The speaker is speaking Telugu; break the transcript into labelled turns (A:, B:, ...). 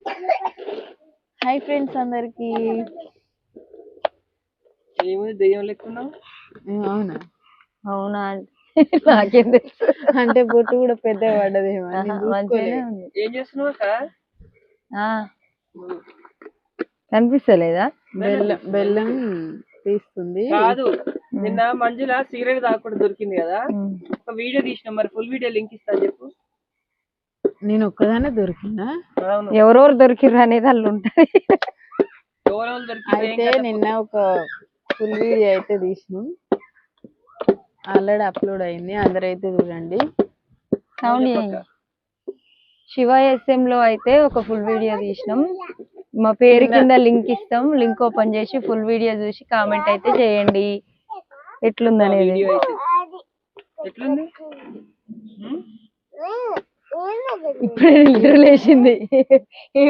A: హాయ్ ఫ్రెండ్స్ అందరికి.
B: ఏముంది దెయ్యం లెక్కున్నావు?
A: అవునా?
C: అవునా నాకేం తెలుసు.
A: అంటే బొట్టు కూడా పెద్ద పడ్డదేమో.
C: మంచిగానే ఉంది.
B: ఏం చేస్తున్నావు అక్క?
C: కనిపిస్తలేదా?
A: బెల్లం తీస్తుంది.
B: కాదు, నిన్న మంజుల సిగరెట్ తాగకుండా దొరికింది కదా, ఒక వీడియో తీసిన, మరి ఫుల్ వీడియో లింక్ ఇస్తా చెప్పు.
A: నేను ఒక్కదానే దొరికినా?
C: ఎవరెవరు దొరికిర్రు అనేది వాళ్ళు ఉంటది.
A: అయితే నిన్న ఒక ఫుల్ వీడియో అయితే తీసినాం, ఆల్రెడీ అప్లోడ్ అయింది, అందరైతే చూడండి.
C: శివ SM లో అయితే ఒక ఫుల్ వీడియో తీసినాం. మా పేరు కింద లింక్ ఇస్తాం, లింక్ ఓపెన్ చేసి ఫుల్ వీడియో చూసి కామెంట్ అయితే చేయండి ఎట్లుంది అనేది. ఇప్పుడే నిద్ర లేచింది.